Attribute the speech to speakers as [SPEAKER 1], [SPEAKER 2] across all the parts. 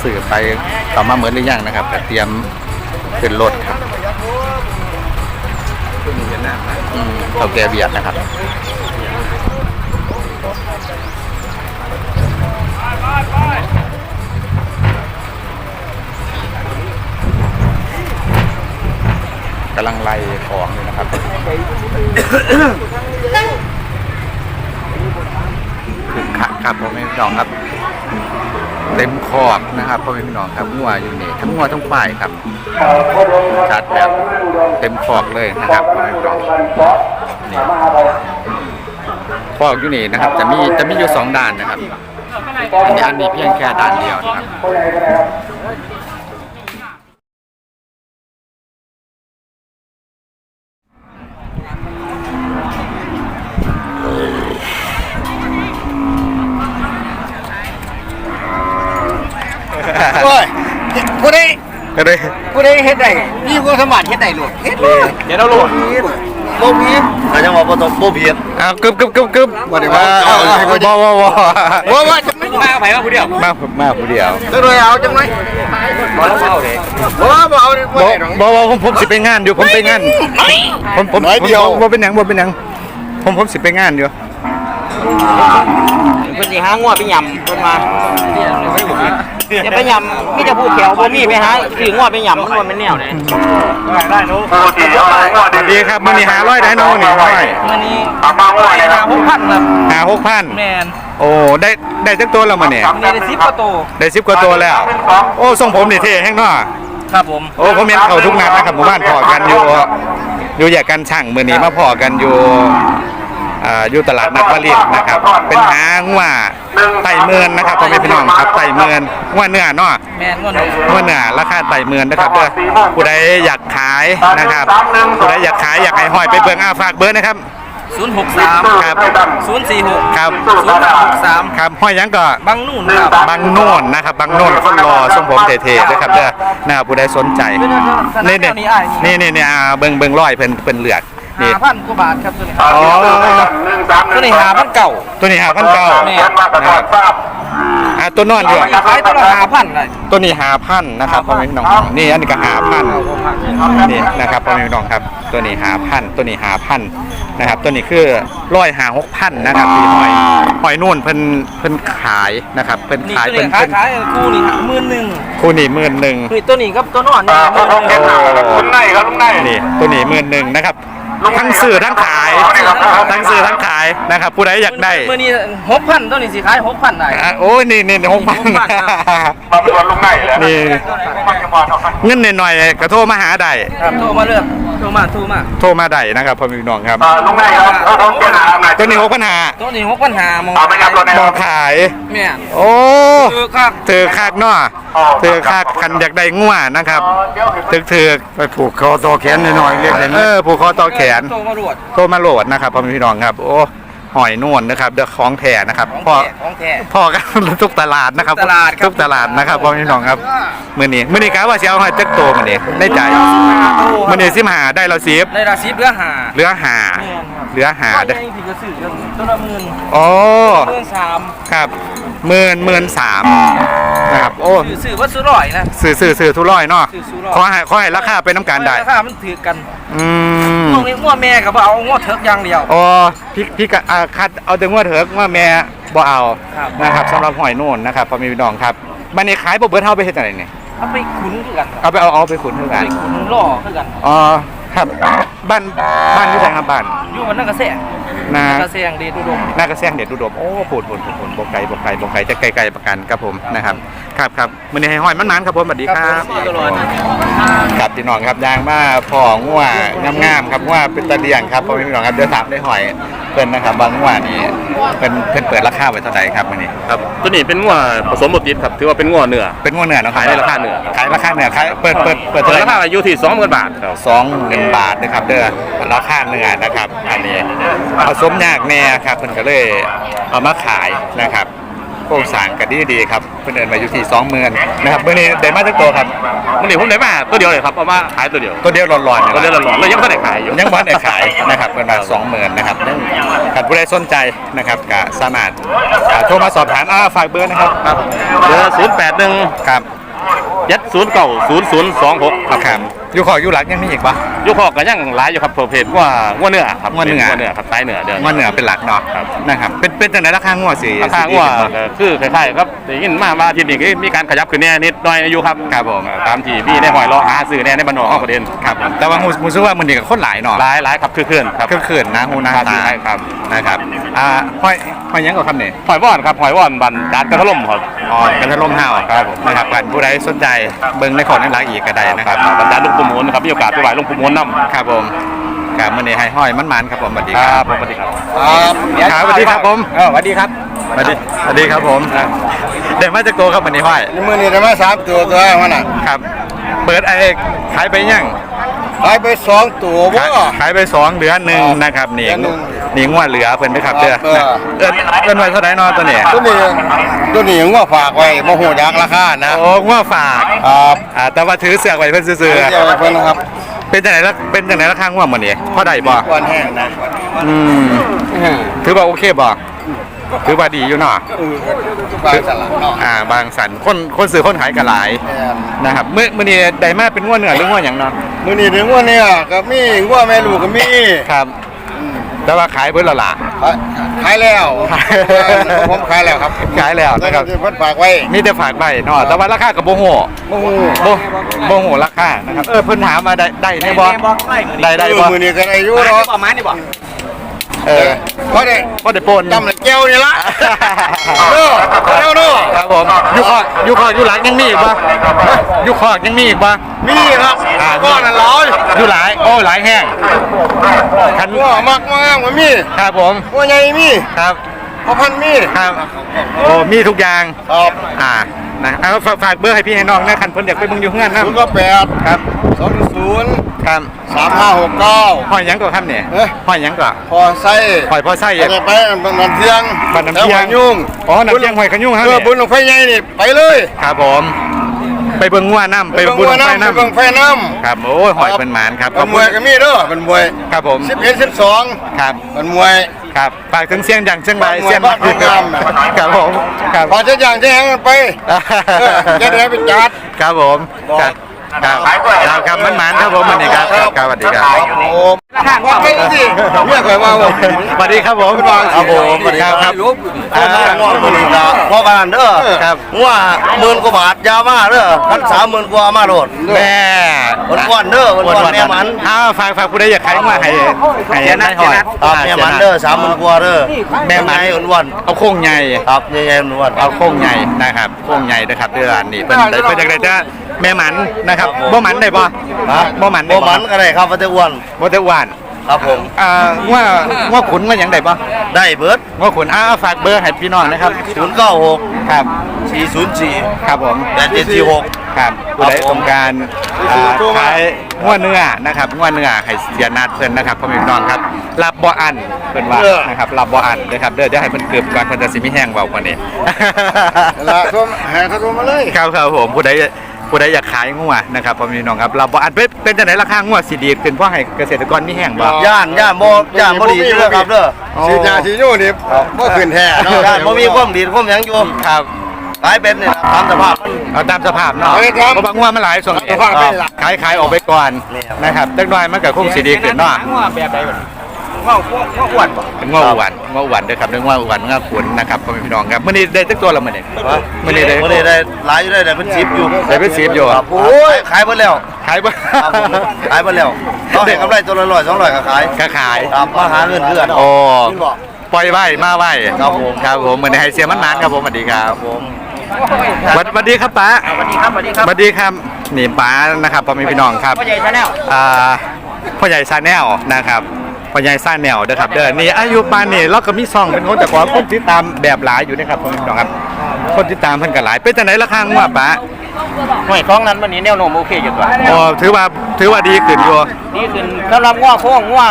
[SPEAKER 1] สื่อไปต่อมาเหมือนหรือยังนะครับแต่เตรียมขึ้นรถครับเขาแกเบียดนะครับกำลังไล่ของอยู่นะครับคือครับผมพี่น้องครับเต็มขอบนะครับพ่อพี่น้องครับงัวอยู่นี่ทั้งงัวทั้งฝ่ายครับชัดแบบเต็มขอบเลยนะครับพ่อพี่น้องนี่ขอบอยู่นี่นะครับจะมีอยู่2ด้านนะครับอันนี้เพียงแค่ด้านเดียวนะครับ
[SPEAKER 2] โอ้ยผู้ใด
[SPEAKER 1] ก็เลย
[SPEAKER 2] ผู้ใดเฮ็ดได้มีความสามารถเฮ็ดได้โลดเฮ็ดเลยเดี๋ยวเราโลดบ่มีก็จังว่าบ่ต้องบ่ผิด
[SPEAKER 1] กึบ
[SPEAKER 2] บ่ได้ว่าว่าจะไม่มาไผว่าผู้เดียว
[SPEAKER 1] มาผู้เดียว
[SPEAKER 2] ก็เลยเอาจังได๋บ่เอาเด้บ่เอา
[SPEAKER 1] บ่ผมสิไปงานอยู่ผมไปงานผมบ่เป็นหยังผมสิไปงานอยู่
[SPEAKER 2] เพิ่นสิหางัวไปยำเพิ่นมาจะไปยำมีแต่ผู้แถวบ่มีไปหาสิงัวไปยำมันบ่แม่นแนวไหนได้หนู
[SPEAKER 1] สวัสดีครับมื้อนี้500ได้น้องนี่
[SPEAKER 2] มื้อนี้6,000ครับ
[SPEAKER 1] 6,000
[SPEAKER 2] แม่น
[SPEAKER 1] โอ้ได้จักตัวแล้วมื้อนี้
[SPEAKER 2] ได้10กว่าตัว
[SPEAKER 1] ได้10กว่าตัวแล้วโอ้ทรงผมนี่เท่แฮงเนาะ
[SPEAKER 2] ครับผม
[SPEAKER 1] โอ้ผมเห็นเขาทุกนัดนะครับหมู่บ้านพอกันอยู่แยกกันช่างมื้อนี้มาพอกันอยู่ตลาดนัดวลินนะครับเป็นหางัวไต่เมือนนะครับพ่อแม่พี่น้องครับไต่เมือนงัวเนื้อเนาะ
[SPEAKER 2] แม่นงัว
[SPEAKER 1] เนื้อราคาไต่เมือนนะครับเด้อผู้ใดอยากขายนะครับผู้ใดอยากขายอยากให้ห้อยไปเบิ่งฝากเบอร์นะครับ
[SPEAKER 2] 063
[SPEAKER 1] ครับ
[SPEAKER 2] 046
[SPEAKER 1] ครับ
[SPEAKER 2] 0363
[SPEAKER 1] ครับห้อยยังก็
[SPEAKER 2] บางนู่นครับ
[SPEAKER 1] บางโน่นนะครับบางโน่นคนรอทรงผมเท่ๆนะครับเด้อนะครับผู้ใดสนใจนี่เบิ่งร้อยเพิ่นเลือก
[SPEAKER 2] นี่5,000 กว่าบาทครับตัวนี้
[SPEAKER 1] อ๋อ
[SPEAKER 2] ตัวนี้5,000เก่า
[SPEAKER 1] ตัวนี้5,900ตัวนอนอยู่
[SPEAKER 2] ขายตัวละ5,000เลย
[SPEAKER 1] ตัวนี้5,000นะครับพ่อแม่พี่น้องนี่อันนี้ก็5,000นี่นะครับพ่อแม่พี่น้องครับตัวนี้5,000ตัวนี้5,000นะครับตัวนี้คือ150-6,000นะครับพี่หอยนู่นเพิ่นขายนะครับเพิ่นขาย
[SPEAKER 2] ขายคู่นี่11,000
[SPEAKER 1] คู่นี้11,000
[SPEAKER 2] คือตัวนี้กับตัวนอนนี่
[SPEAKER 1] ลุงในนี่ตัวนี้11,000นะครับทั้งซื้อทั้งขายนะครับผู้ใดอยากได้
[SPEAKER 2] มื้อนี้ 6,000 ตัวนี้สิขาย 6,000 ได้
[SPEAKER 1] โอ้ยนี่6,000มาเป็นวันลุงในแล้วนี่เงินหน่อยๆก็โทรมาหาได้
[SPEAKER 2] ครับโทรมาเลือกโทรมา
[SPEAKER 1] ได้นะครับพ่อพี่น้องครับ
[SPEAKER 3] ลุงในครับ
[SPEAKER 1] ตัวนี้
[SPEAKER 2] 6,500ตัวนี้6,500
[SPEAKER 1] มองขาย
[SPEAKER 2] แม่
[SPEAKER 1] โอ้
[SPEAKER 2] ถือ
[SPEAKER 1] คักเนาะถือคักคันอยากได้งัวนะครับถือ
[SPEAKER 3] ไปผูกคอต่อแขนหน่อยเรียกได้
[SPEAKER 1] ผูกคอต่อแขน
[SPEAKER 2] โทร
[SPEAKER 1] มาโหลดนะครับพ่อพี่น้องครับโอ้หอยนวลนะครับเดือของแท้นะครับพ่อกันทุกตลาดนะครับทุกตลาดนะครับพ่อพี่น้องครับมื้อนี้กะว่าสิเอาให้จักโตมื้อนี้ได้ใจมื้อนี้15ได้เรา10
[SPEAKER 2] ได้ละ10เหลือ5เด้อตัวละ10,000
[SPEAKER 1] อ๋อ
[SPEAKER 2] 13,000
[SPEAKER 1] ครับ13,000นะครับโอ้
[SPEAKER 2] ซื้อว่าซื้อร้อยนะ
[SPEAKER 1] ซื้อทุร้อยเนาะขอให้ราคาเป็นน้ำกันได้
[SPEAKER 2] ราคามันถือกันงัวแม่ก็บ่เอางัวเถิกอย่างเดียว
[SPEAKER 1] อ๋อพี่ก็คัดเอาแต่งัวเถิกงัวแม่บ่เอานะครับสำหรับหอยโน่นนะครับพ่อแม่พี่น้องครับบัดนี้ขายบ่เบิดเฮาไปเฮ็ดจังได๋นี่
[SPEAKER 2] เอาไปขุนคือกัน
[SPEAKER 1] เอาไปขุนคือกัน
[SPEAKER 2] ไปขุนล่อคือกัน
[SPEAKER 1] อ๋อครับบ้านอยู่ไหนครับบ้าน
[SPEAKER 2] อยู่วันนักกระแสงกระแสงเดชอุดม
[SPEAKER 1] นักกระแสงเดชอุดมโอ้พูดบ่ไกลจะไกลประกันครับผมนะครับครับมื้อนี้ให้ห้อยมันๆครับผมสวัสดีครับครับพี่น้องครับยางมาพ่องัวงามๆครับว่าเป็นตะเลียงครับพ่อพี่น้องครับเดี๋ยวถามได้หอยเพิ่นนะครับบางงัวนี่เพิ่นเปิดราคาไว้เท่าไหร่ครับมื้อนี้
[SPEAKER 3] ครับตัวนี้เป็นงัวผสมบดดิบครับถือว่าเป็นงัวเนื้อ
[SPEAKER 1] เนาะ
[SPEAKER 3] ขายในราคาเนื้อ
[SPEAKER 1] ขายเปิด
[SPEAKER 3] ราคาอยู่ที่20,000 บาทครับ
[SPEAKER 1] 20,000 บาทนะครับเด้อราคาเนื้อนะครับอันนี้ผสมยากแน่ครับเพิ่นก็เลยเอามาขายนะครับโครงสร้างก็ดีครับเพิ่นเอิ้นมาอยู่ที่20,000นะครับมื้อนี้ได้มาจักตัวครับ
[SPEAKER 3] วันนี้ผมได้มาตัวเดียวเลยครับเอามาขายตัวเดียว
[SPEAKER 1] ตัวเดียวร้อนๆ
[SPEAKER 3] ตัวเดียวหลอนๆเลยยังไม่ได้ขายอยู่
[SPEAKER 1] ยังบ่ได้ขายนะครับเพิ่นมา20,000นะครับถ้าผู้ใดสนใจนะครับก็สามารถโทรมาสอบถามฝากเบอร์นะครับ
[SPEAKER 3] ครับเบอร์081
[SPEAKER 1] ครับ
[SPEAKER 3] 7090026 ครับ
[SPEAKER 1] ครับอยู่ขออยู่หลักยังมีอีกปะ
[SPEAKER 3] ยุคหอกก็ยังหลายอยู่ครับประเภทว่าเนื้อครับ
[SPEAKER 1] งัวเนื้อ
[SPEAKER 3] ป็ครับสายเนื้อเดือน
[SPEAKER 1] ว่าเหนือเป็นหลักเนาะ
[SPEAKER 3] ครับ
[SPEAKER 1] นะครับเป็นจังไดราคางัวสิ
[SPEAKER 3] ราคาว่าก็คือคล้ายๆครับได้ยินมาว่าอาที่นี่ก็มีการขยับขึ้นแน่นิดหน่อยอยู่ครับ
[SPEAKER 1] ครับผม
[SPEAKER 3] ตามที่พี่ได้หอยรอหาซื้อแน่ในบ้านนอกของประเด็น
[SPEAKER 1] ครับผมแต่ว่ามูซื้อว่ามันดีกับคนหลายเนาะ
[SPEAKER 3] หลายครับคือเคลื่อนครับ
[SPEAKER 1] เคลื่อนๆนะหูหนา
[SPEAKER 3] ครับ
[SPEAKER 1] ตา
[SPEAKER 3] ใช่ครับ
[SPEAKER 1] นะครับห้อยยังกับคำเนี่ย
[SPEAKER 3] หอยว่อนครับหอยว่อนบันจานกระทะล่มครับ
[SPEAKER 1] อ๋อกันทะลมห้าว
[SPEAKER 3] ครับผม
[SPEAKER 1] นะครับกันผู้ใดสนใจเบิ่งในของในร้านอีกก็ได้นะครับ
[SPEAKER 3] บรรดาลูกปูมูลครับมีโอกาสไปไหว้ลูกปูมูลนำ
[SPEAKER 1] ครับผมกับมันนี่ให้ห้อยมันครับผมสวัสดี
[SPEAKER 3] ค
[SPEAKER 1] ค
[SPEAKER 3] รั
[SPEAKER 1] รั
[SPEAKER 3] บบ ผมสวัสดีครับ
[SPEAKER 1] ครับสวัสดีครับผม
[SPEAKER 2] สวัสดีครับ
[SPEAKER 1] สวัสดีครับผมเดี๋ยวมาจากตัวครับมันนี่ห้อย
[SPEAKER 4] นี่มือนี่ได้มา3ตัวมันน่ะ
[SPEAKER 1] ครับ เปิดขายไปยัง
[SPEAKER 4] ขายไป2ตัวบ่
[SPEAKER 1] ขายไป2เหลือ1นะครับนี่
[SPEAKER 4] เหลือหนึ่ง
[SPEAKER 1] นี่งวดเหลือเพิ่นไปครับเด้อ
[SPEAKER 4] ครับ
[SPEAKER 1] เอิ้นไว้เท่าไหร่เนาะตัวนี้
[SPEAKER 4] ตัวนี้ยังว่าฝากไว้บ่ฮู้จักราคานะ
[SPEAKER 1] โอ้งวดฝาก
[SPEAKER 4] ครับ
[SPEAKER 1] แต่ว่าถือเสือกไว้เพิ่นซื่อ
[SPEAKER 4] เดี๋ยวให้เพิ่นนะครับ
[SPEAKER 1] ๆเป็นจังได๋ราคางวดมื้อนี้พอได้บ่
[SPEAKER 4] ก่อนแห้งนะ
[SPEAKER 1] อืมถือว่าโอเคบ่ถือว่าดีอยู่เนาะ
[SPEAKER 4] บางสลักเนาะ
[SPEAKER 1] บางสันคนซื้อคนขายก็หลายนะครับมื้อนี้ได้มาเป็นงวดเนื้อหรืองวดหยังเนาะ
[SPEAKER 4] มื้อนี้ถึงว่าเนี่ยก็มีว่าแม่ลูกก็มี
[SPEAKER 1] ครับแต่ว่าขายเบิดแล้วล่ะ
[SPEAKER 4] ขายแล้วผมขายแล้วครับ
[SPEAKER 1] ขายแล้วนะครับ
[SPEAKER 4] เพิ่นฝากไว้
[SPEAKER 1] มีแต่ฝากใบเนาะแต่ว่าราคาก็บ่ฮู้
[SPEAKER 4] บ่ฮู้
[SPEAKER 1] บ่ฮู้ราคานะครับเพิ่นถามมาได้แน่บ่ได้บ่
[SPEAKER 4] มื้อนี้ก็ได้อยู่เนาะ
[SPEAKER 2] ประมาณนี้บ่
[SPEAKER 4] พอได้
[SPEAKER 1] บ่ได้ปน
[SPEAKER 4] จำเลยแก้วนี่ละเด้อเด้อเด้อ
[SPEAKER 1] ครับผมอยู่หลังยังมีอีกบ่อยู่คอกยังมีอีกบ่
[SPEAKER 4] มีครับก้อนละร้อย
[SPEAKER 1] อยู่หลายโอ้หลายแห้งคัน
[SPEAKER 4] ว่ามากมากมันมี
[SPEAKER 1] ครับผม
[SPEAKER 4] ว่าใหญ่มี
[SPEAKER 1] ครับ
[SPEAKER 4] พอพันมี
[SPEAKER 1] ครับโอ้มีทุกอย่าง
[SPEAKER 4] ครับ
[SPEAKER 1] นะเอาฝากเบอร์ให้พี่ให้น้องนะคันเพิ่นอยากไปเบิ่งอยู่เฮือนนะ
[SPEAKER 4] 098
[SPEAKER 1] ครับ
[SPEAKER 4] 210
[SPEAKER 1] ครับ
[SPEAKER 4] 3569
[SPEAKER 1] หอยหยังก็ครับเนี่ย
[SPEAKER 4] เอ๊ะ
[SPEAKER 1] หอยหยังก็
[SPEAKER 4] พอไส้
[SPEAKER 1] หอยพอไส้
[SPEAKER 4] จะไปน้ำเที่ยง
[SPEAKER 1] บ้านน้ำเที่ยง
[SPEAKER 4] แล้วหอยุ่ง
[SPEAKER 1] อ๋อน้ำเที่ยงหอยขยุ่งครับ
[SPEAKER 4] บุญ
[SPEAKER 1] เนี่ย
[SPEAKER 4] ลงไฟใหญ่นี่ไปเลย
[SPEAKER 1] ครับผมไปเบิ่งงัวน้ำไปบุญไฟ
[SPEAKER 4] ไป
[SPEAKER 1] น้
[SPEAKER 4] เบิ่งไฟน้
[SPEAKER 1] ำครับโอ้ยหอยเป็นหมานครับ
[SPEAKER 4] ำมันมวยก็มีเด้อมันมวย
[SPEAKER 1] ครับผม
[SPEAKER 4] 11 12
[SPEAKER 1] ครับ
[SPEAKER 4] มันมวย
[SPEAKER 1] ครับฝากถึงเสียงดังเชียงราย
[SPEAKER 4] บ้าน
[SPEAKER 1] เสียง
[SPEAKER 4] บ้านงาม
[SPEAKER 1] ครับผมครับ
[SPEAKER 4] พอจะอย่างจะแหงกันไปจะได้ไปจัด
[SPEAKER 1] ครับผมครับครับมันหมานครับผมวันนี้ครับครับสวัสดีครับ
[SPEAKER 4] ผมว่าไม่สิเรียกไปว่าผม
[SPEAKER 1] สวัสดีครับผมครับผมสวัสดีครับครับ
[SPEAKER 4] ว่ามือนี่ละพ่อการเด้อ
[SPEAKER 1] ครับ
[SPEAKER 4] ว่า10,000 กว่าบาทยามาเด้อพัน30,000 กว่ามาโลด
[SPEAKER 1] แม่
[SPEAKER 4] วันเด้อวันแม่มัน
[SPEAKER 1] ฝากผู้ใดอยากขายงัวให้ได้หอย
[SPEAKER 4] ครับแม่มันเด้อ30,000 กว่าเด้อ
[SPEAKER 1] แม่มัน
[SPEAKER 4] วัน
[SPEAKER 1] เอาโค้งใหญ่
[SPEAKER 4] ครับใหญ่ๆวัน
[SPEAKER 1] เอาโค้งใหญ่นะครับโค้งใหญ่นะครับเดือนนี้เป็นจากไหนจะแม่หมันนะครับบ่หมันได้บ่
[SPEAKER 4] ฮะ
[SPEAKER 1] บ่หมันได้
[SPEAKER 4] บ่มันก็ได้ครับว่าจะอ้วน
[SPEAKER 1] บ่ได้หวาน
[SPEAKER 4] ครับผม
[SPEAKER 1] ว่าขุนว่าหยังได้บ่
[SPEAKER 4] ได้เบิด
[SPEAKER 1] ว่าขุนฝากเบอร์ให้พี่น้องนะครับ
[SPEAKER 4] 096
[SPEAKER 1] ครับ
[SPEAKER 4] 404
[SPEAKER 1] ครับผม
[SPEAKER 4] 8746
[SPEAKER 1] ครับผู้ใดต้องการขายงัวเนื้อนะครับงัวเนื้อให้เสียนัดเพิ่นนะครับพ่อแม่พี่น้องครับรับบ่อันเพิ่นว่านะครับรับบ่อันนะครับเด้อจะให้เพิ่นเกือบก่อนเพิ่นจะสิมีแห้งเว้ากว่านี้
[SPEAKER 4] ละโทรหาเขาโทรมาเลย
[SPEAKER 1] ครับผมผู้ใดอยากขายงัวนะครับพ่อแม่พี่น้องครับรับบ่อันเป็นจังได๋ราคางัวสิดีขึ้นเพราะให้เกษตรกรมีแห้งบ่
[SPEAKER 4] ย่านบ่ดีเด้อครับเด้อสิยาสิอยู่นี่บ่ขึ้นแท้เนาะย่านบ่มีความดีความหยังอยู่
[SPEAKER 1] ครับ
[SPEAKER 4] ขายเป็นนี่ตามสภาพ
[SPEAKER 1] เอาตามสภาพเนาะ
[SPEAKER 4] เอาไปครับ
[SPEAKER 1] เพราะบางงัวมันหลายส่วน
[SPEAKER 4] สภาพไม่หลัก
[SPEAKER 1] ขายออกไปก่อน
[SPEAKER 4] นี่ครับ
[SPEAKER 1] นะครับจักหน่อยมันก็คงสิดีขึ้นเนาะ
[SPEAKER 2] ว่าแบบใดบ่ว่าอ้วนบ่
[SPEAKER 1] เป็นง้อหวานเด้อครับเรื่องง้อหวานง้อขุนนะครับพ่อแม่พี่น้องครับมื้อนี้ได้สักตัวละมื้อนี้มื้อนี้ได้
[SPEAKER 4] บ่ได้หลายอยู่ได้เป็น10อยู่
[SPEAKER 1] ได้เป็น10อยู่
[SPEAKER 4] ครับโอ้ยขายเบิดแล้ว
[SPEAKER 1] ขายบ่
[SPEAKER 4] ครับผมขายเบิดแล้วเขาให้กำไรตัวละ100 200ก็ขาย
[SPEAKER 1] ก็ขาย
[SPEAKER 4] ครับมาหาเงินเดือน
[SPEAKER 1] โอ้ปล่อยไว้มาไว้
[SPEAKER 4] ครับผม
[SPEAKER 1] ครับผมมื้อนี้ให้เสียมันนานครับผมสวัสดีครับ
[SPEAKER 4] ครับผม
[SPEAKER 1] สวัสดีครับป้า
[SPEAKER 2] สวัสดีครับสวัสดีครับ
[SPEAKER 1] สวัสดีครับนี่ป้านะครับพ่อแม่พี่น้องครับ
[SPEAKER 2] พ่อใหญ่ชาแนล
[SPEAKER 1] พ่อใหญ่ซาแนลนะครับพ่อใหญ่ซาแนลเด้อครับเด้อนี่อายุปานนี่เราก็มีซองเป็นคนแต่ก่อนคนติดตามแบบหลายอยู่นะครับพ่อแม่พี่น้องครับคนติดตามเพิ่นก็หลายเป็นจังได๋ราคางัวป้า
[SPEAKER 2] หน่วยของนั้นวันนี้แนวโน้มโอเคอยู่ตัว
[SPEAKER 1] โอ้ถือว่าดีขึ้นอยู่
[SPEAKER 2] นี่คือสำหรับง้อโค้งง้อ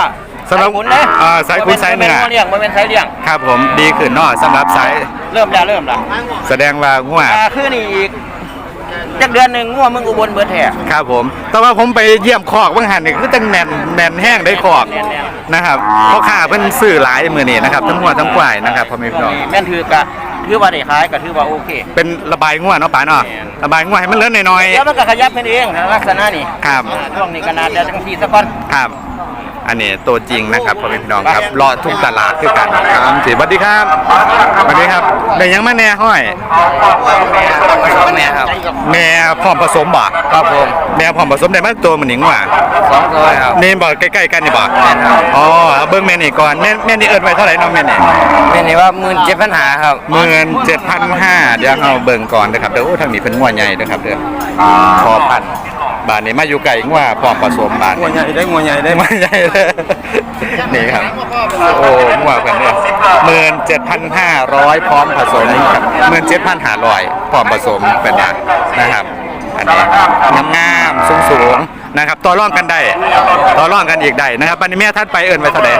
[SPEAKER 1] สำหรับ
[SPEAKER 2] ขุนเลย
[SPEAKER 1] สายขุนสายเนื้อ
[SPEAKER 2] บ่เลี้ยงบ่เป็นสายเลี้ยง
[SPEAKER 1] ครับผมดีขึ้นเนาะสำหรับสาย
[SPEAKER 2] เริ่มแล้ว
[SPEAKER 1] แสดงว่างัว
[SPEAKER 2] คือนี่อีกจักเดือนหนึงงัวมึงอุบลเบิดแท้
[SPEAKER 1] ครับผมแต่ว่าผมไปเยี่ยมคอกบางหันนี่คือตั้งแน่นแห้งได้คอก
[SPEAKER 2] แน่น
[SPEAKER 1] นะครับเพราะข้าเพิ่นซื้อหลายมื้อนี้นะครับทั้งงัวทั้งควายนะครับพ่อแม่พี่น้อง
[SPEAKER 2] แม่นถือว่าได้ขายก็ถือว่าโอเค
[SPEAKER 1] เป็นระบายงัวเนาะป๋าเนาะระบายงัวให้มันเลื่อนหน่อย
[SPEAKER 2] เดี๋ยวมันก็ขยับเป็นเองลักษณะนี้
[SPEAKER 1] ครับ
[SPEAKER 2] ช่วงนี้ก็น่าจะจังซี่ซะก่อน
[SPEAKER 1] ๆครับ อันนี้ตัวจริงนะครับพ่อแม่พี่น้องครับรอทุกตลาดคือกันครับสวัสดีครับสวัสดีครับได้ยังมาแน่ห้อย
[SPEAKER 2] แม่ครับ
[SPEAKER 1] แม่พร้อมผสมบ่
[SPEAKER 2] ครับผม
[SPEAKER 1] แม่พร้อมผสมได้มาตัวมันหนิงว่ะ
[SPEAKER 2] 2ตัวครับ
[SPEAKER 1] นี่บ่ใกล้ๆกันนี่บ่
[SPEAKER 2] แม่นครับ
[SPEAKER 1] อ๋อเอาเบิ่งแม่นี่ก่อนแม่นี่เอิ้นไว้เท่าไหร่เน้องแม่นี่
[SPEAKER 2] แม่นี่ว่า17,000หาครับ
[SPEAKER 1] 17,500เดี๋ยวเอาเบิ่งก่อนนะครับเดี๋ยวโอ้ทางนี้เพิ่นงัวใหญ่เด้อครับเด้อพอพันบาทนี้มาอยู่ไกลงัวพร้อมผสมบาท
[SPEAKER 4] งัวใหญ่ได้งัวใหญ่ได้
[SPEAKER 1] งัวใหญ่เลยนี่ครับโอ้งัวเพิ่นเนี่ย17,500พร้อมผสมครับ17,500พร้อมผสมเป็นว่านะครับอันนี้งามๆสูงๆนะครับต่อรองกันได้ต่อรองกันอีกได้นะครับบัดนี้แม่ทัดไปเอิ้นไว้เท่าใด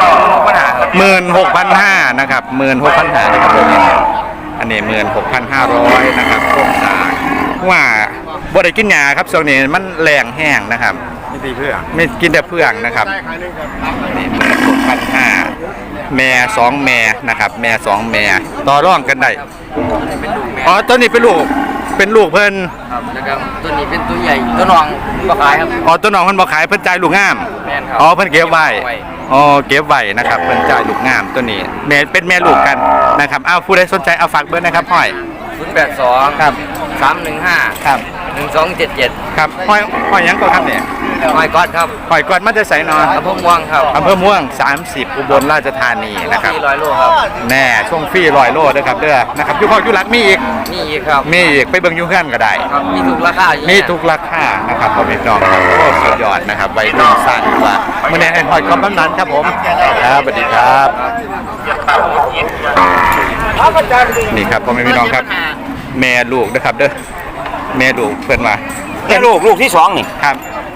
[SPEAKER 1] 16,500นะครับ16,500นะครับตัวนี้อันนี้16,500นะครับโครงสร้างว่าบ่ได้กินหญ้าครับช่วงนี้มันแรงแห้งนะครับ
[SPEAKER 4] ไม่ตีเพื่อ
[SPEAKER 1] ไม่กินแต่เพื่องนะครับนี่16,500แม่2แม่นะครับแม่2แม่ต่อรองกันได้อ๋อตัวนี้เป็นลูกเพิ่น
[SPEAKER 2] ครับแล้วก็ตัวนี้เป็นตัวใหญ่ตัวน้องบ่ขายครับ
[SPEAKER 1] อ๋อตัวน้องเพิ่นบ่ขายเพิ่นจ่ายลูกงาม
[SPEAKER 2] แม่นครับ
[SPEAKER 1] อ๋อเพิ่นเก็บไว้อ๋อเก็บไว้นะครับเพิ่นจ่ายลูกงามตัวนี้แม่เป็นแม่ลูกกันนะครับเอาผู้ใดสนใจเอาฝากเบอร์นะครับห้อย
[SPEAKER 2] 082
[SPEAKER 1] ครับ
[SPEAKER 2] 315
[SPEAKER 1] ครับ
[SPEAKER 2] 1277
[SPEAKER 1] ครับห้อยหยังก็ครับเนี่ย
[SPEAKER 2] หอยก๊อดครับ
[SPEAKER 1] ห้อยกอดมันจะใส่นอน
[SPEAKER 2] อำเภอม่วงครับ
[SPEAKER 1] อำเภอม่วง30อุบลราชธานีนะครับ
[SPEAKER 2] 400โลครับ
[SPEAKER 1] แน่ช่วงฟรี100โลเด้อครับเด้อนะครับอยู่พอกอยู่หลักมีอีก
[SPEAKER 2] นี่อีกครับ
[SPEAKER 1] มีอีกไปเบิ่งอยู่เฮือนก็ได้
[SPEAKER 2] ครับมีทุกราคาอยู่
[SPEAKER 1] มีทุกราคานะครับพ่อแม่พี่น้องครับโอ้สุดยอดนะครับวัยรุ่นสั้นว่ามื้อนี้ให้ห้อยกอดบำนันครับผมครับสวัสดีครับ นี่ครับพ่อแม่พี่น้องครับ แม่ลูกนะครับเด้อแม่ลูกเพิ่นว่า
[SPEAKER 2] แค่ลูกที่2นี่
[SPEAKER 1] ครับ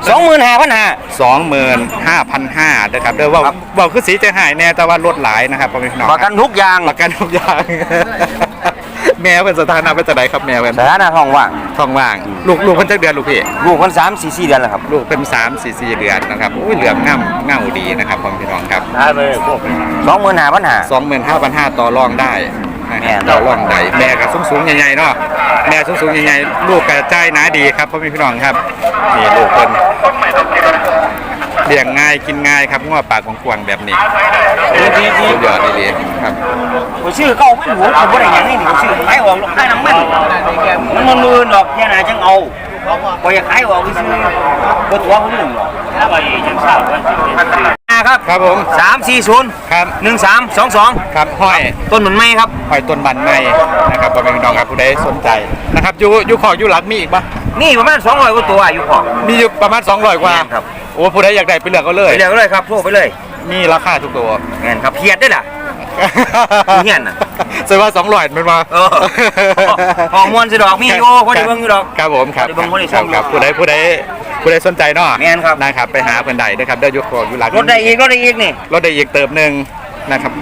[SPEAKER 2] 25,500
[SPEAKER 1] 25,500นะครับเด้อว่าคือสีจะหายแน่แต่ว่าลดหลายนะครับพ่อแม่พี่น้อง
[SPEAKER 2] ประกันทุกอย่าง
[SPEAKER 1] ประกันทุกอย่าง แม่เป็นสถานะเป็นจังไดครับแม่เป็น
[SPEAKER 2] สถานะท้องว่าง
[SPEAKER 1] ท้องว่างลูกเพิ่นจักเดือนลูกพี่
[SPEAKER 2] ลูกคน3-4 เดือนแล้วครับ
[SPEAKER 1] ลูกเป็น3-4 เดือนนะครับอุ้ยเหลืองเงาดีนะครับพ่อแม่พี่น้องครับ
[SPEAKER 2] ได้เลยพวก25,500
[SPEAKER 1] 25,500ต่อรองได้นะค
[SPEAKER 2] แม่
[SPEAKER 1] รับต่อรองได้แม่ก็สูงๆใหญ่ๆเนาะแม่สูงๆใหญ่ๆลูกก็ใจหนาดีครับพ่อแม่พี่น้องครับนี่ลูกเพิ่นเลี้ยงง่ายกินง่ายครับงัวปากกว้างๆแบบนี้สุดยอดดีๆครับ
[SPEAKER 2] ผมชื่อเขาไม่รู้ผมบ่ได้หยังนี่ผมชื่อขายออกขายน้ำมันมือดอกแค่ไหนจังเอาบ่อยากขายออกซื้อบ่ตัวผมนึงหรอกแล้วไปจังทราบว่าครับ
[SPEAKER 1] ครับผม
[SPEAKER 2] 340
[SPEAKER 1] ครับ
[SPEAKER 2] 1322
[SPEAKER 1] ครับห้อย
[SPEAKER 2] ต้นเหมือนไม้ครับ
[SPEAKER 1] หอยต้นบันในนะครับพ่อแม่พี่น้องครับผู้ใดสนใจนะครับอยู่ขออยู่หลักมีอีกปะ
[SPEAKER 2] นี่ประมาณ200กว่าตัวอยู่ของ
[SPEAKER 1] มีอยู่ประมาณ200กว่า
[SPEAKER 2] ครับ
[SPEAKER 1] โอ้ผู้ใดอยากได้ไปเลือกก็เลย
[SPEAKER 2] ไปเรียกเลยครับโทรไปเลย
[SPEAKER 1] มีราคาทุกตัว
[SPEAKER 2] แม่นครับเพียดได้ล่ะ เหี้ยนน่ะ
[SPEAKER 1] แสดงว่า200มันมา
[SPEAKER 2] เออฮอร์โมนสิดอกมีอยู่บ่ได้เบิ่งอยู่ดอก
[SPEAKER 1] ครับผมครับ
[SPEAKER 2] บ่ได้เบิ่งบ่ได้
[SPEAKER 1] ค
[SPEAKER 2] ส่
[SPEAKER 1] รั
[SPEAKER 2] ง
[SPEAKER 1] บครับผู้ใดสนใจเนาะ
[SPEAKER 2] แม่นครับ
[SPEAKER 1] นะครับไปหาเพิ่นใดนะครับเด้ออยู่ขออยู่หลัก
[SPEAKER 2] รถได้อีกนี่
[SPEAKER 1] รถได้อีกเติมหนึงนะครับ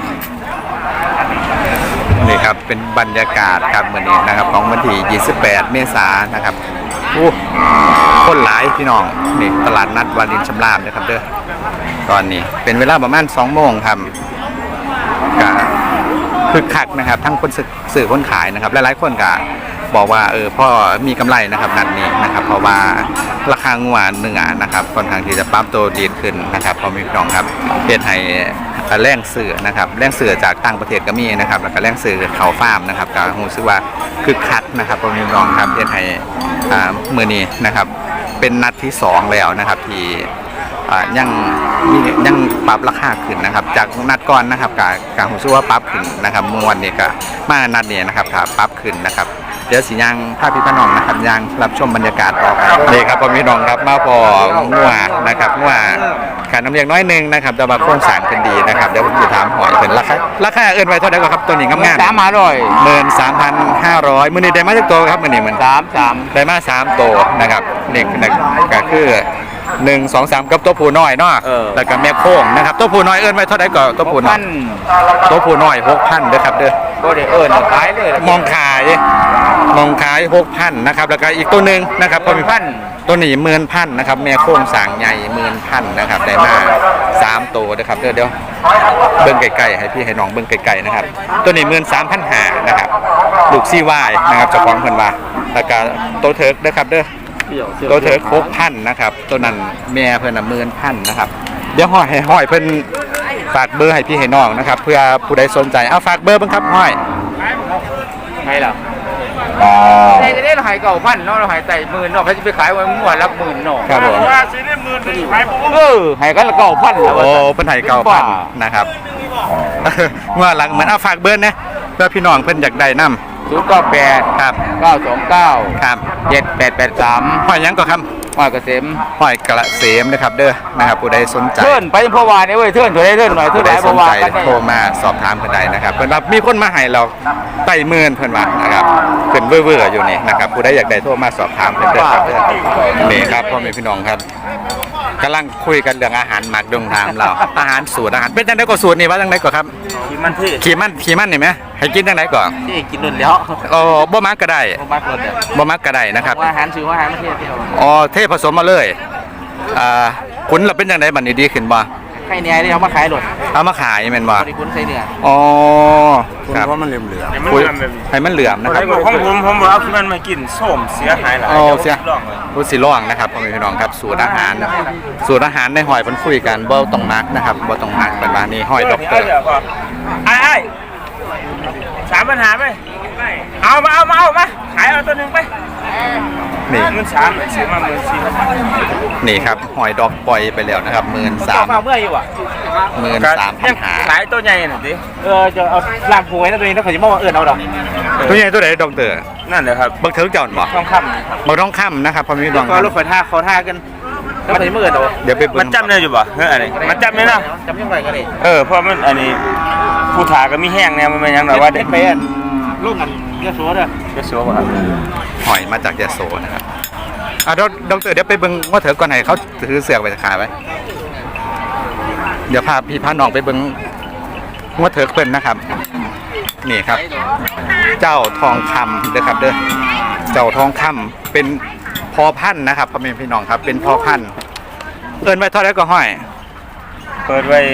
[SPEAKER 1] นี่ครับเป็นบรรยากาศครับมื้อนี้นะครับของวันที่28 เมษายนนะครับคนหลายพี่น้องนี่ตลาดนัดวารินชำราบนะครับเด้อตอนนี้เป็นเวลาประมาณ2โมงครับก็คึกคักนะครับทั้งคนซื้อคนขายนะครับหลายๆคนก็บอกว่าพ่อมีกำไรนะครับนัดนี้นะครับเพราะว่าราคางัวเนื้อนะครับค่อนข้างที่จะปรับตัวดีขึ้นนะครับพอมีพี่น้องครับเฮ็ดให้แรงเสือนะครับแรงเสือจากต่างประเทศก็มีนะครับแล้วก็แรงเสือเขาฟาร์มนะครับก็รู้สึกว่าคึกคักนะครับพอมีพี่น้องครับเฮ็ดให้มื้อนี้นะครับเป็นนัดที่2แล้วนะครับที่ยังปรับราคาขึ้นนะครับจากนัดก่อนนะครับการผมชื่อว่าปรับขึ้นนะครับมวนนี่ก็มานัดนี้นะครับถ้าปรับขึ้นนะครับเดี๋ยวสิยังภาพพี่พี่น้องนะครับยังรับชมบรรยากาศต่อไปนี่ครับพี่น้องครับมาพองัวนะครับงัวการน้ำเลี้ยงน้อยนึงนะครับแต่ว่าโครงสร้างเป็นดีนะครับเดี๋ยวผมจะถามหอยเป็นราคาเอิ้นไว้เท่าไหร่ครับตัวนี้งามๆ13,500มื้อนี้ได้มาจากตัวครับมื้อนี้มันได้มา3ตัวนะครับนี่ก็คือ 1 2 3กับตัวผู้น้อยเนาะแล้วก็แม่โค้งนะครับตัวผู้น้อยเอิ้นไว้เท่าใดก็ตัวผู้น้อยตัวผู้น้อย 6,000เด้อครับเด้อ
[SPEAKER 2] บ่ได้ขายเลย
[SPEAKER 1] มองขาย6,000นะครับแล้วก็อีกตัวหนึงนะครับพ่อแม่ตัวนี้10,000นะครับแม่โค้งสางใหญ่10,000นะครับได้มา3ตัวนะครับเดี๋ยวเบิ่งไกลๆให้พี่ให้น้องเบิ่งไกลๆนะครับตัวนี้13,500นะครับลูกซี่วายนะครับเจ้าของเพิ่นว่าแล้วก็ตัวเถิกเด้อครับเด้อตัวเถิก6,000นะครับตัวนั้นแม่เพิ่นน่ะ10,000นะครับเดี๋ยวห้อยเพิ่นฝากเบอร์ให้พี่ให้น้องนะครับเพื่อผู้ใดสนใจเอาฝากเบอร์เบิ่งครับห้อย
[SPEAKER 2] ให้ล่ะได้เราหายเก่าพันเนาะเราหายไต่10,000เนาะเขาจะไปขายวันมั่วรับ10,000เนาะ
[SPEAKER 1] ครับผม
[SPEAKER 2] ว่าซื้อได้10,000ขายหายกันละ9,000แล้ว
[SPEAKER 1] โอ้เพิ่นให้9,000นะครับเมื่อหลังเหมือนเอาฝากเบอร์นะเพื่อพี่น้องเพิ่นอยากได้นำ
[SPEAKER 2] 098
[SPEAKER 1] ครับ
[SPEAKER 2] 929
[SPEAKER 1] ครับ
[SPEAKER 2] 7883
[SPEAKER 1] ห้อยหยังก็ครับ
[SPEAKER 2] ห้อยเกษม
[SPEAKER 1] ห้อยกระเสมนะครับเด้อนะครับผู้ใดสนใจ
[SPEAKER 2] เทิร์นไปเพราะว่าเนี่ยเว้ยเทิร์นตัวได้เทิร์นหน่อยเทิ
[SPEAKER 1] ผู้
[SPEAKER 2] ร์น
[SPEAKER 1] ใด
[SPEAKER 2] หลายเพ
[SPEAKER 1] สน
[SPEAKER 2] ราะว่า
[SPEAKER 1] ใจ
[SPEAKER 2] กันได้
[SPEAKER 1] โทรมาสอบถามเพิ่นได้นะครับเพิ่นว่ามีคนมาให้เราไต่หมื่นเพิ่นว่านะครับขึ้นเว่อร์ๆอยู่นี่นะครับผู้ใดอยากได้โทรมาสอบถามเพิ่นเด้อครับเด้อนี่ครับพ่อแม่พี่น้องครับกำลังคุยกันเรื่องอาหารหมักดงถามเราอาหารสูตรอาหารเป็นจังได๋ก็สูตรนี่ว่าจังได๋ก็ครับ
[SPEAKER 2] ที่มันที่
[SPEAKER 1] ขี่มันนี่ไหมให้กินจังได๋ก่อน
[SPEAKER 2] ที่กินนุ่นแล้ว
[SPEAKER 1] อ๋อบ่มักก็ได้
[SPEAKER 2] ผมมักรถเนี่ย
[SPEAKER 1] บ่มักก็ได้นะครับ
[SPEAKER 2] ว่าอาหารซื้อว่าอาหารไม่เที่ยวเที่ยว
[SPEAKER 1] อ๋อเทผสมมาเลยขุนเราเป็นจังไดบัดนี้ดีขึ้นบ่
[SPEAKER 2] ให้เนี่ยที่เขามาขายรถ
[SPEAKER 1] เอามาขายแม่นบ่
[SPEAKER 2] บริคุณใส่เนื้อ
[SPEAKER 1] อ๋อครับ
[SPEAKER 4] เพราะมันเหลือม
[SPEAKER 1] คุยให้มันเหลื่อมนะครับ
[SPEAKER 5] ผมบอกเอามันมากินส้มเสียหายหลาย
[SPEAKER 1] โอ้เสีย
[SPEAKER 5] ลองเลย
[SPEAKER 1] รู้สิร้องนะครับพ่อแม่พี่น้องครับสูตรอาหารในหอยเพิ่นคุยกันบ่ต้องมักนะครับบ่ต้องมักเป็นว่านี่หอยด็อกเตอร์
[SPEAKER 5] ไอ้3ปัญหาไหมเอามาขายเอาตัวหนึ่งไป
[SPEAKER 1] นี่
[SPEAKER 5] 13,000ซื้อมา14,000
[SPEAKER 1] นี่ครับหอยดอกปล่อยไปแล้วนะครับ
[SPEAKER 2] มาเมื่ออยู่อ่ะ
[SPEAKER 1] 13,500
[SPEAKER 5] ขายตัวใหญ่หน่อยดิ
[SPEAKER 2] จะเอาลากหวยนะตัวนี้ถ้าเขาจะมองว่าเอาดอก
[SPEAKER 1] ตัวใหญ่ตัวใดด็อกเตอร์
[SPEAKER 5] นั่นเลยครับ
[SPEAKER 1] บักเถิกเจ้าบ่
[SPEAKER 5] ทองค
[SPEAKER 1] บ่ต้องค้ำนะครับพ่อแม่พี่น้องค
[SPEAKER 2] ก็
[SPEAKER 1] รับ
[SPEAKER 2] รถไฟท่าเขาท่ากันแล้วเขาจะเมื่อเอา
[SPEAKER 1] เดี๋ยวไป
[SPEAKER 5] ำ
[SPEAKER 1] เบิ่
[SPEAKER 5] มัน
[SPEAKER 1] ง
[SPEAKER 5] จำได้อยู่ป่ะเฮ้ยอะไรมันจำได้นะ
[SPEAKER 2] จำยังไงก็ได้
[SPEAKER 5] เพราะมันอันนี้ผู้ถาก็มีแห้งเนี่ยมันเป็นยังไงว่าเด็ก
[SPEAKER 2] ไปอ่ะลูกกันเยอะสัวเด้อ
[SPEAKER 5] จะสัวป่ะครับ
[SPEAKER 1] หอยมาจากยะโสนะครับด็อกเตอร์เดี๋ยวไปเบิ่งว่าเถิกก่อนให้เขาถือเสือกไปขายไว้เดี๋ยวพาพี่พาน้องไปเบิ่งว่าเถิกเพิ่นนะครับ นี่ครับ เจ้าทองคำเด้อครับเด้อเจ้าทองคำเป็นพอพันธุ์นะครับพ่อแม่พี่น้องครับเป็นพอพันธุ์เอิ้นไว้เท่าไหร่ก็ห้อย
[SPEAKER 5] เปิดไว้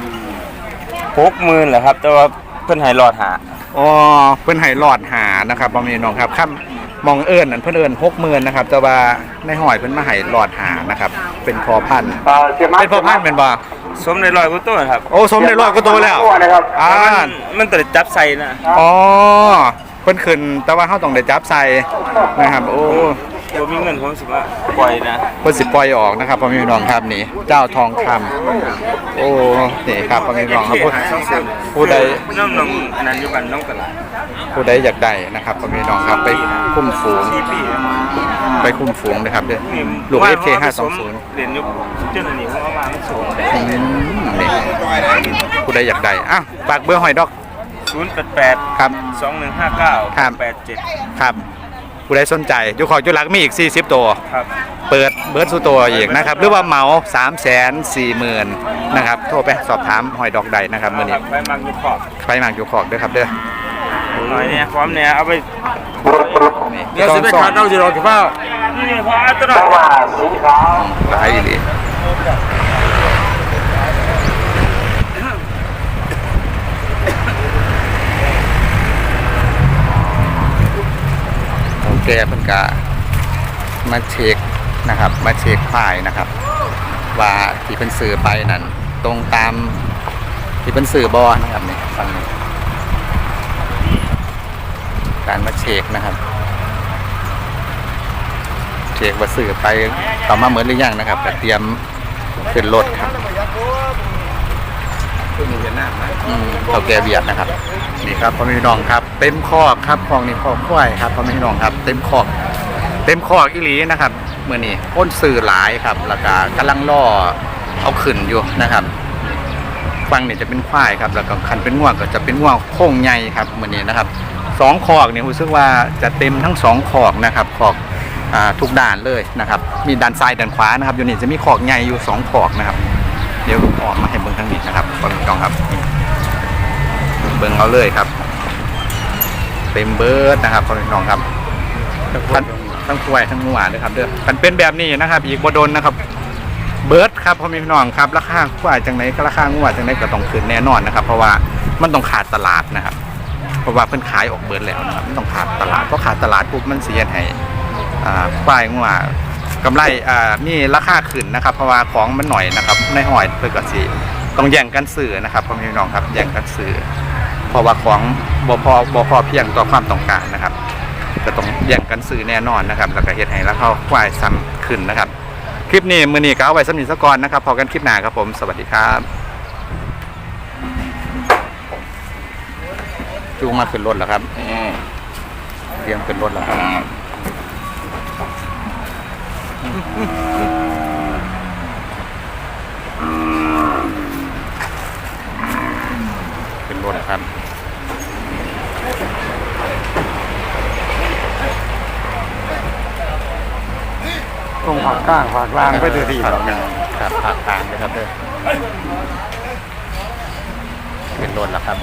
[SPEAKER 5] 60,000เหรอครับแต่ว่าเพิ่นให้รอดหา
[SPEAKER 1] อ๋อเพิ่นให้หลอดหานะครับพ่อแม่พี่น้องครับคำมองเอิ้นนั่นเพิ่นเอิ้น60,000นะครับแต่ว่าในหอยเพิ่นมาให้หลอดหานะครับเป็นพอพันธุ์เป็นพอพันธุ์เป็นบ่
[SPEAKER 5] สมในร้อยกว่าตัวครับ
[SPEAKER 1] โอ้สมได้100กว่าตัวแล้ว
[SPEAKER 5] มันตัวจับใส่นะ
[SPEAKER 1] อ๋อเพิ่นขึ้นแต่ว่าเฮาต้องได้จับใส่นะครับโอ้
[SPEAKER 5] ผมมีเงินผมสิว่าปล่อยนะ
[SPEAKER 1] เพิ่นสิปล่อยออกนะครับพ่อแม่พี่น้องครับนี่เจ้าทองคำโอ้นี่ครับพ่อแม่พี่น้องครับผู้ใด
[SPEAKER 5] น้องอันนั้นอยู่กันน้องตลาด
[SPEAKER 1] ผู้ใดอยากได้นะครับพ่อแม่พี่น้องครับไปคุ้มฝูง
[SPEAKER 5] 4 ปี
[SPEAKER 1] ไปคุ้มฝูงนะครับเด้อลูก FK 520
[SPEAKER 5] เรียนยุคเจ้าหนี้ผมเอามามันสูง
[SPEAKER 1] นี่ผู้ใดอยากได้อ้าวฝากเบอร์หอยดอก
[SPEAKER 5] 088
[SPEAKER 1] ครับ
[SPEAKER 5] 2159
[SPEAKER 1] ครับ
[SPEAKER 5] 87
[SPEAKER 1] ครับผู้ใดสนใจอยู่ขอจุลักมีอีก40ตัว
[SPEAKER 5] ครับ
[SPEAKER 1] เปิดเบิร์ดสู่ตัวอีกนะครับหรือว่าเหมา340,000นะครับโทรไปสอบถามหอยดอกใดนะครับมื้อนี้
[SPEAKER 5] ไปมังอยู่ขอบ
[SPEAKER 1] ไปหมากอยู่ขอกเด้อครับเด้อ
[SPEAKER 5] หน่อยเนี่ยพร้อมเนี่ยเอาไป
[SPEAKER 1] นี่
[SPEAKER 5] เดี๋ยวสิไปขาดเอาสิรอสิพ่อนี่พอเอาตัวหน่อย
[SPEAKER 1] หลายดีโอเคเพิ่นก็มาเช็คนะครับมาเช็คฝ่ายนะครับ ว่าที่เพิ่นซื้อไปนั่นตรงตามที่เพิ่นซื้อบ่นะครับนี่ฟังนี่การมาเช็คนะครับเช็คว่าซื้อไปต่อมาเหมือนหรือยังนะครับก็เตรียมขึ้นรถครับเขาแกเบียดนะครับนี่ครับพ่อแม่พี่น้องครับเต็มคอกครับคลองนี่คอกควายครับพ่อแม่พี่น้องครับเต็มคอกอีหลีนะครับเมื่อนี้พ้นสื่อหลายครับแล้วก็กำลังล่อเอาขึ้นอยู่นะครับฟังเนี่ยจะเป็นควายครับแล้วก็คันเป็นง่วงก็จะเป็นง่วงโค้งใหญ่ครับเมื่อนี้นะครับ2คอกนี่รู้สึกว่าจะเต็มทั้ง2คอกนะครับคอกทุกด้านเลยนะครับมีด้านซ้ายด้านขวานะครับอยู่นี่จะมีขอกใหญ่อยู่2ขอกนะครับเดี๋ยวออกมาให้เบิ่งทางนี้นะครับพ่อแม่พี่น้องครับเบิ่งเอาเลยครับเต็มเบิร์ดนะครับพ่อแม่พี่น้องครับทั้งควายทั้งงัวเลยครับเด้อมันเป็นแบบนี้นะครับอีกบ่โดนนะครับเบิร์ดครับพ่อแม่พี่น้องครับราคาควายจังไหนก็ราคางัวจังไหนก็ต้องขึ้นแน่นอนนะครับเพราะว่ามันต้องขาดตลาดนะครับเพราะว่าเพิ่นขายออกเบิร์ดแล้วนะครับมันต้องขาดตลาดเพราะขาดตลาดปุ๊บมันเสียให้ควายงัวกำไรมีราคาขึ้นนะครับเพราะว่าของมันหน่อยนะครับในหอยเพื่อก็สิต้องแย่งกันซื้อนะครับพ่อแม่พี่น้องครับแย่งกันซื้อเพราะว่าของบ่พอเพียงต่อความต้องการนะครับก็ต้องแย่งกันซื้อแน่นอนนะครับแล้วก็เฮ็ดให้ราคาควายซ้ำขึ้นนะครับคลิปนี้มื้อนี้ก็เอาไว้สำหรับซะก่อนนะครับพอกันคลิปหน้าครับผมสวัสดีครับจูงมาขึ้นรถแล้วครับเตรียมขึ้นรถแล้วครับขึ้นรถครับ
[SPEAKER 4] ตรงผักก้างผักลางไปเดือดครับ
[SPEAKER 1] ครับผักกลางเลยครับเด้อขึ้นรถแล้วครับ